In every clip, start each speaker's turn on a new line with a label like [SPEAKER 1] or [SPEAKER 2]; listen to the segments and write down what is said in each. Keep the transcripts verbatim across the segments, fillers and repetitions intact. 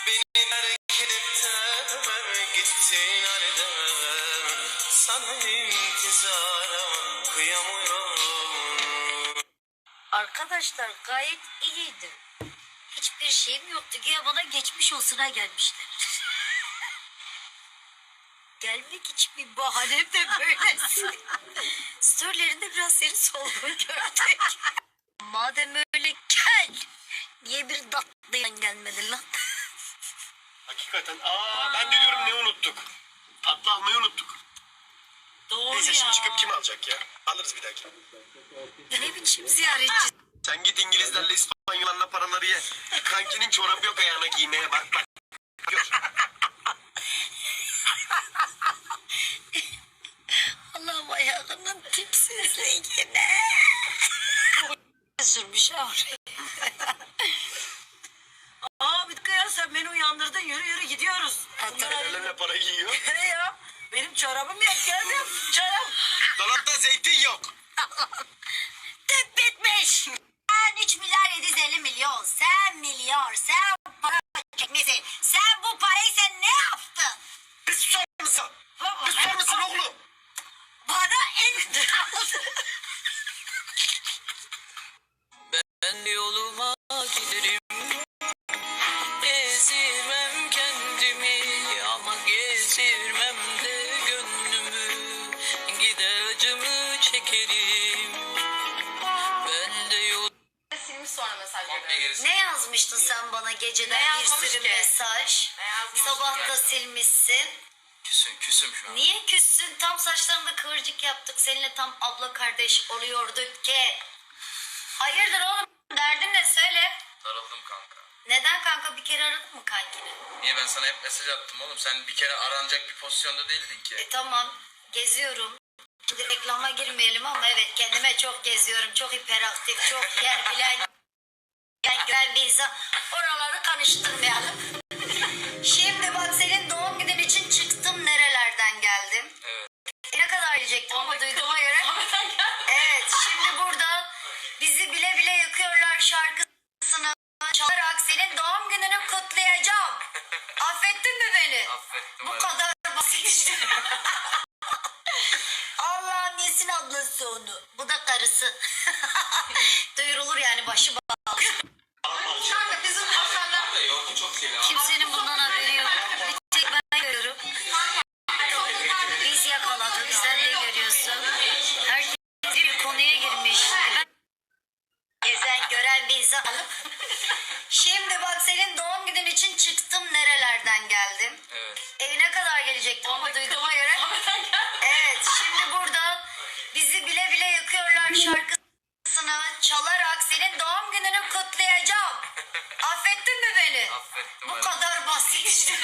[SPEAKER 1] Beni terk edip de gittin aniden. Sana intizara kıyamıyorum.
[SPEAKER 2] Arkadaşlar gayet iyiydi. Hiçbir şeyim yoktu. Güya bana geçmiş olsuna gelmişler. Gelmek için bir bahanem de böylesi. Storylerinde biraz seni solgun gördük. Madem öyle gel. Niye bir tatlıyan gelmedin lan?
[SPEAKER 3] Hakikaten. Aa, ben de diyorum ne unuttuk? Tatlı almayı unuttuk.
[SPEAKER 2] Doğru
[SPEAKER 3] Neyse
[SPEAKER 2] ya.
[SPEAKER 3] şimdi çıkıp kim alacak ya? Alırız bir dahaki.
[SPEAKER 2] Ne biçim ziyaretçi?
[SPEAKER 3] Sen git İngilizlerle İspanyollarla paraları ye. Kankinin çorabı yok ayağına giymeye bak bak. Gör.
[SPEAKER 2] Allah'ım ayağının tipsizliğine. Sürmüş ha oraya.
[SPEAKER 4] Aa bir dakika ya, sen beni uyandırdın, yürü yürü gidiyoruz.
[SPEAKER 3] Ellerine para giyiyor.
[SPEAKER 4] Ne ya? Benim çorabım yok, geldim. Çorap.
[SPEAKER 3] Dolapta zeytin yok.
[SPEAKER 2] Tüp bitmiş. Sen üç milyar yedi yüz elli milyon. Sen milyar. Sen para çekmişsin. Sen bu parayı sen ne yaptın?
[SPEAKER 3] Bir susar mısın? Bir susar mısın oğlum?
[SPEAKER 2] Bana en...
[SPEAKER 1] Ben yoluma giderim. Ezirmem kendimi ama gezirmem de gönlümü. Gider acımı çekerim. Ben de yol...
[SPEAKER 5] Silmiş sonra mesaj veriyorum.
[SPEAKER 2] Ne yazmıştın sen bana
[SPEAKER 5] Ne
[SPEAKER 2] geceden bir
[SPEAKER 5] yazmamış
[SPEAKER 2] sürü
[SPEAKER 5] ki?
[SPEAKER 2] mesaj?
[SPEAKER 5] Ne yazmamış
[SPEAKER 2] Sabah
[SPEAKER 5] ki?
[SPEAKER 2] da silmişsin.
[SPEAKER 1] Küsüm küsüm şu an.
[SPEAKER 2] Niye küssün? Tam saçlarında kıvırcık yaptık. Seninle tam abla kardeş oluyorduk ki. Hayırdır oğlum? Derdin ne? Söyle.
[SPEAKER 1] Daraldım kanka.
[SPEAKER 2] Neden kanka, bir kere aradın mı kankini?
[SPEAKER 1] Niye ben sana hep mesaj attım oğlum? Sen bir kere aranacak bir pozisyonda değildin ki.
[SPEAKER 2] E tamam, geziyorum. Şimdi reklama girmeyelim ama evet, kendime çok geziyorum. Çok hiperaktif, çok yer bilen, yer gören bir insan. Oraları karıştırmayalım. Şimdi bak, senin doğum günün için çıktım, nerelerden geldim.
[SPEAKER 1] Evet.
[SPEAKER 2] E, ne kadar yiyecektim ama duyduğuma göre. Evet, şimdi burada bizi bile bile yakıyorlar şarkısını çalarak senin doğum gününü kutlayacağım. Affettin mi beni?
[SPEAKER 1] Affettim.
[SPEAKER 2] Bu
[SPEAKER 1] evet.
[SPEAKER 2] kadar basit işte. Allah'ın yesin ablası onu. Bu da karısı. Duyurulur yani, başı bağlı.
[SPEAKER 5] Kanka bizim Hasan'la
[SPEAKER 1] Yok çok şey.
[SPEAKER 2] Kimsenin bundan haberi yok. Bir tek ben görüyorum. Biz yakaladık, sen de görüyorsun. Herkes bir konuya girmiş. Ben gezen gören bir insan. Şimdi bak, senin doğum günün için çıktım, nerelerden geldim.
[SPEAKER 1] Evet.
[SPEAKER 2] Evine kadar gelecektim ama duyduğuma göre. Evet, şimdi burada bizi bile bile yakıyorlar şarkısını çalarak senin doğum gününü kutlayacağım. Affettin mi beni?
[SPEAKER 1] Affettim.
[SPEAKER 2] Bu
[SPEAKER 1] evet.
[SPEAKER 2] kadar basit işte.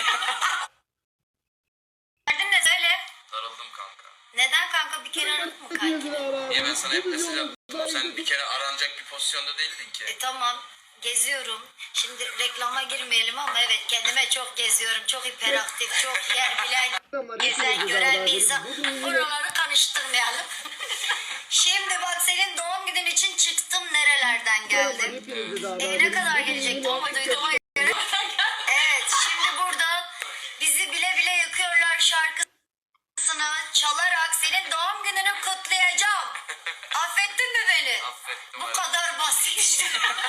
[SPEAKER 2] Derdin ne? Söyle.
[SPEAKER 1] Daraldım kanka.
[SPEAKER 2] Neden kanka, bir kere aradın mı kankini?
[SPEAKER 1] Niye ben sana hep mesaj attım? Sen bir kere aranacak bir pozisyonda değildin ki.
[SPEAKER 2] E tamam, geziyorum. Şimdi reklama girmeyelim ama evet, kendime çok geziyorum. Çok hiperaktif, çok yer bilen, gezen gören bir insan. Oraları karıştırmayalım. Şimdi bak, senin doğum günün için çıktım, nerelerden geldim. Evine kadar gelecektim ama duyduğuma göre. Evet, şimdi burada bizi bile bile yakıyorlar şarkısını çalarak senin doğum gününü kutlayacağım. Affettin mi beni?
[SPEAKER 1] Affettim.
[SPEAKER 2] Bu
[SPEAKER 1] evet.
[SPEAKER 2] kadar basit işte.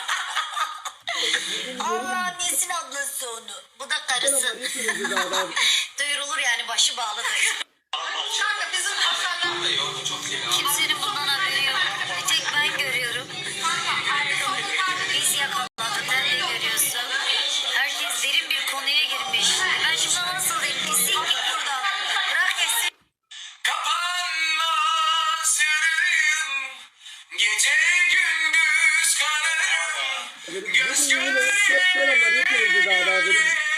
[SPEAKER 2] Allah'ın yesin ablası onu. Bu da karısı. Duyurulur yani, başı bağlıdır.
[SPEAKER 5] kanka bizim Hasan'la
[SPEAKER 1] Yok çok şey.
[SPEAKER 2] Kimsenin bundan haberi yok. Bir tek ben görüyorum. Biz yakaladık, sen de görüyorsun. Herkes derin bir konuya girmiş. Ben şuna nasıl diyeyim? Pislik git buradan. Bırak etsin.
[SPEAKER 1] Kapanmaz yüreğim, gece gündüz kanarım, göz göre göre